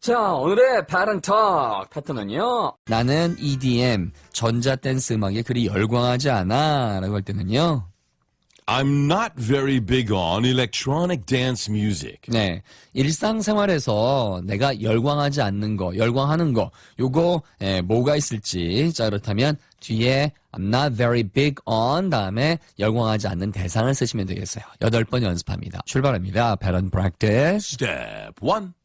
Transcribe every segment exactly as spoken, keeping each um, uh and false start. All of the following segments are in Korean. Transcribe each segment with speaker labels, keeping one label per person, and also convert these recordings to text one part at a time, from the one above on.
Speaker 1: 자, 오늘의 Pattern Talk 패턴은요. 나는 이디엠, 전자댄스 음악에 그리 열광하지 않아 라고 할 때는요.
Speaker 2: I'm not very big on electronic dance music.
Speaker 1: 네, 일상생활에서 내가 열광하지 않는 거, 열광하는 거, 요거 예, 뭐가 있을지. 자, 그렇다면 뒤에 I'm not very big on 다음에 열광하지 않는 대상을 쓰시면 되겠어요. 여덟 번 연습합니다. 출발합니다. Pattern Practice.
Speaker 2: Step one.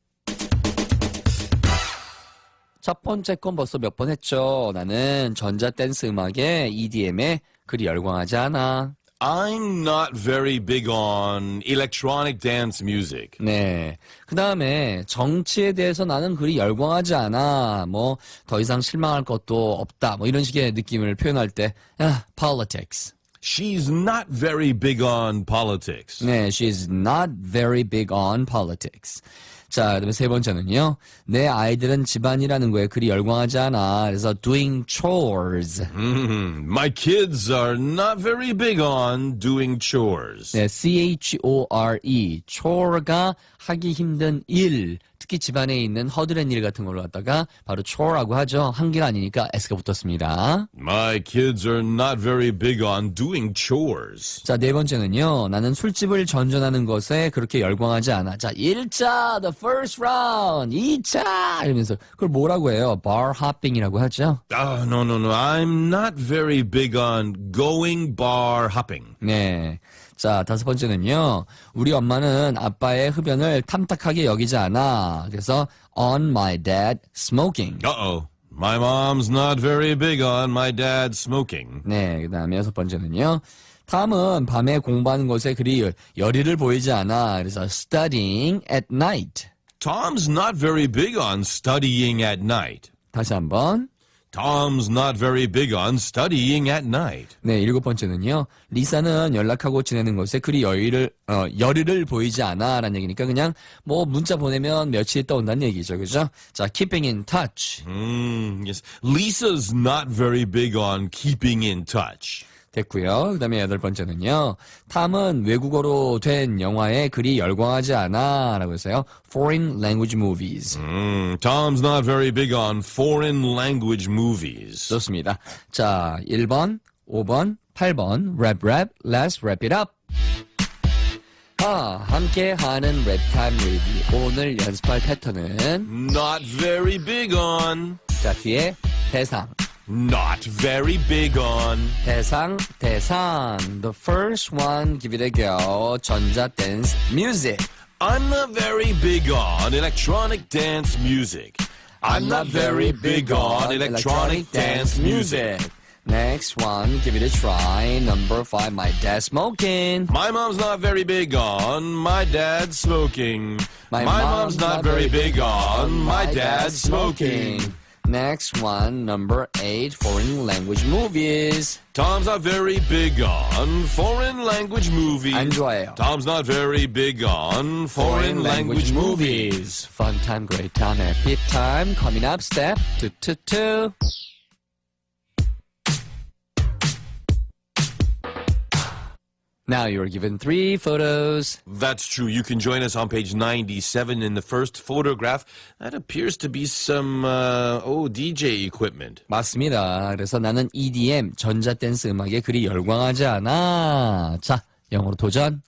Speaker 1: 첫 번째 건 벌써 몇 번 했죠. 나는 전자댄스 음악에 이디엠에 그리 열광하지 않아.
Speaker 2: I'm not very big on electronic dance music.
Speaker 1: 네. 그 다음에 정치에 대해서 나는 그리 열광하지 않아. 뭐 더 이상 실망할 것도 없다. 뭐 이런 식의 느낌을 표현할 때, 아, politics.
Speaker 2: She's not very big on politics.
Speaker 1: 네, she's not very big on politics. 자, 그다음에 세 번째는요. 내 아이들은 집안이라는 거에 그리 열광하지 않아. 그래서 doing chores.
Speaker 2: Mm, my kids are not very big on doing chores.
Speaker 1: 네, C-H-O-R-E. chore가 하기 힘든 일. 특히 집안에 있는 허드렛 일 같은 걸로 갖다가 바로 chore라고 하죠. 한계가 아니니까 S가 붙었습니다.
Speaker 2: My kids are not very big on doing chores.
Speaker 1: 자, 네 번째는요. 나는 술집을 전전하는 것에 그렇게 열광하지 않아. 자, 일 차, the first round, 이 차 이러면서 그걸 뭐라고 해요? bar hopping이라고 하죠.
Speaker 2: Ah, no, no, no. I'm not very big on going bar hopping.
Speaker 1: 네. 자, 다섯 번째는요. 우리 엄마는 아빠의 흡연을 탐탁하게 여기지 않아. 그래서 on my dad smoking.
Speaker 2: Uh-oh. My mom's not very big on my dad smoking.
Speaker 1: 네, 그 다음에 여섯 번째는요. 탐은 밤에 공부하는 것에 그리 열의를 보이지 않아. 그래서 studying at night.
Speaker 2: Tom's not very big on studying at night.
Speaker 1: 다시 한번.
Speaker 2: Tom's not very big on studying at night.
Speaker 1: 네, 일곱 번째는요. 리사는 연락하고 지내는 것에 그리 여유를, 어, 열의를 보이지 않아. 라는 얘기니까 그냥 뭐 문자 보내면 며칠 있다 온다는 얘기죠. 그죠? 자, keeping in touch.
Speaker 2: Mm, yes. Lisa's not very big on keeping in touch.
Speaker 1: 됐고요. 그 다음에 여덟 번째는요. 탐은 외국어로 된 영화에 그리 열광하지 않아. 라고 해서요. foreign language movies.
Speaker 2: Mm, Tom's not very big on foreign language movies.
Speaker 1: 좋습니다. 자, 일 번, 오 번, 팔 번, rap rap, let's wrap it up. 아, 함께 하는 랩타임 리뷰. 오늘 연습할 패턴은
Speaker 2: Not very big on.
Speaker 1: 자, 뒤에 대상.
Speaker 2: Not very big on.
Speaker 1: 대상, 대상. The first one, give it a go. 전자 댄스 music.
Speaker 2: I'm not very big on electronic dance music. I'm not very big on electronic dance music.
Speaker 1: Next one, give it a try. Number five, my dad smoking.
Speaker 2: My mom's not very big on my dad smoking.
Speaker 1: My
Speaker 2: My
Speaker 1: mom's
Speaker 2: mom's not very big on my dad smoking.
Speaker 1: Next one, number eight, foreign language movies.
Speaker 2: Tom's not very big on foreign language movies.
Speaker 1: 안 좋아해요.
Speaker 2: Tom's not very big on foreign language movies.
Speaker 1: Fun time, great time, happy time. Coming up, step two, two, two. Now you are given three photos.
Speaker 2: That's true. You can join us on page ninety-seven. In the first photograph, that appears to be some, uh, oh, D J equipment.
Speaker 1: 맞습니다. 그래서 나는 이디엠, 전자댄스 음악에 그리 열광하지 않아. 자, 영어로 도전.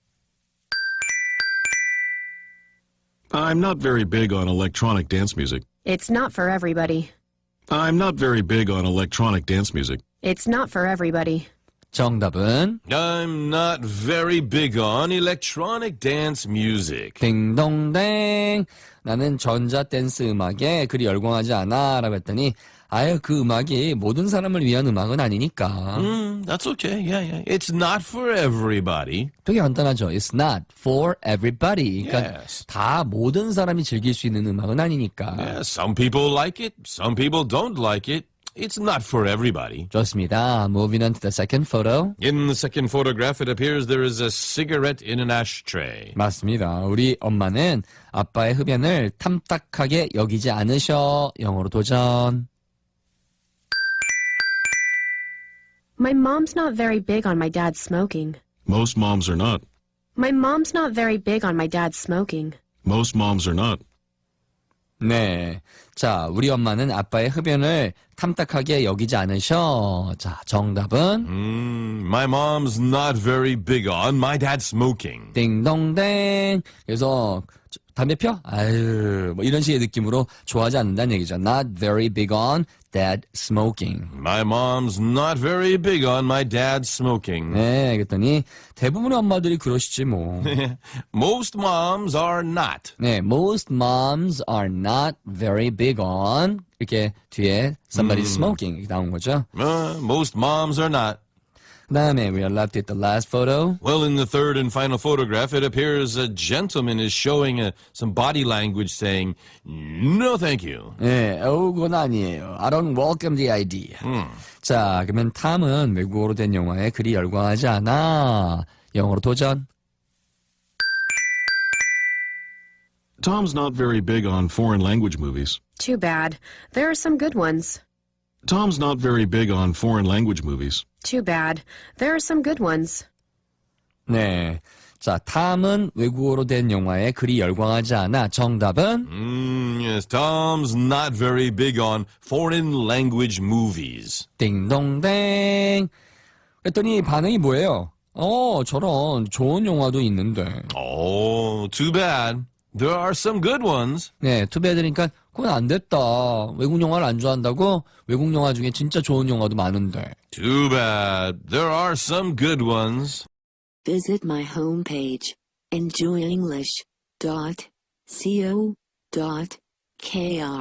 Speaker 3: I'm not very big on electronic dance music.
Speaker 4: It's not for everybody.
Speaker 3: I'm not very big on electronic dance music.
Speaker 4: It's not for everybody.
Speaker 1: 정답은
Speaker 2: I'm not very big on electronic dance music.
Speaker 1: 딩동댕. 나는 전자댄스 음악에 그리 열광하지 않아. 라고 했더니 아유, 그 음악이 모든 사람을 위한 음악은 아니니까.
Speaker 2: Mm, that's okay. Yeah, yeah. It's not for everybody.
Speaker 1: 되게 간단하죠. It's not for everybody. 그러니까
Speaker 2: Yes.
Speaker 1: 다 모든 사람이 즐길 수 있는 음악은 아니니까.
Speaker 2: Yeah, some people like it. Some people don't like it. It's not for everybody.
Speaker 1: 좋습니다. Moving on to the second photo.
Speaker 2: In the second photograph, it appears there is a cigarette in an ashtray.
Speaker 1: 맞습니다. 우리 엄마는 아빠의 흡연을 탐탁하게 여기지 않으셔. 영어로 도전.
Speaker 4: My mom's not very big on my dad smoking.
Speaker 3: Most moms are not.
Speaker 4: My mom's not very big on my dad smoking.
Speaker 3: Most moms are not.
Speaker 1: 네. 자, 우리 엄마는 아빠의 흡연을 탐탁하게 여기지 않으셔. 자, 정답은
Speaker 2: Mm, my mom's not very big on my dad smoking.
Speaker 1: 띵동댕. 그래서 담배 펴? 아유, 뭐 이런 식의 느낌으로 좋아하지 않는다는 얘기죠. Not very big on dad smoking.
Speaker 2: My mom's not very big on my dad smoking.
Speaker 1: 네, 그랬더니 대부분의 엄마들이 그러시지 뭐.
Speaker 2: Most moms are not.
Speaker 1: 네, most moms are not very big on 이렇게 뒤에 somebody smoking 이렇게 나온 거죠.
Speaker 2: Uh, most moms are not.
Speaker 1: 그 다음에 we are left with the last photo.
Speaker 2: Well, in the third and final photograph, it appears a gentleman is showing uh, some body language saying, no thank you.
Speaker 1: 네, 어, 그건 아니에요. I don't welcome the idea. 자, 그러면 탐은 외국어로 된 영화에 그리 열광하지 않아. 영어로 도전.
Speaker 3: Tom's not very big on foreign language movies.
Speaker 4: Too bad. There are some good ones.
Speaker 3: Tom's not very big on foreign language movies.
Speaker 4: Too bad. There are some good ones.
Speaker 1: 네. 자, 탐은 외국어로 된 영화에 그리 열광하지 않아. 정답은?
Speaker 2: Mm, yes, Tom's not very big on foreign language movies.
Speaker 1: 띵동댕. 그랬더니 반응이 뭐예요? 어, 저런 좋은 영화도 있는데.
Speaker 2: Oh, too bad. There are some good ones.
Speaker 1: 네, 투배드니까 그건 안 됐다. 외국 영화를 안 좋아한다고? 외국 영화 중에 진짜 좋은 영화도 많은데.
Speaker 2: Too bad. There are some good ones.
Speaker 5: Visit my homepage, enjoy english dot co dot kr.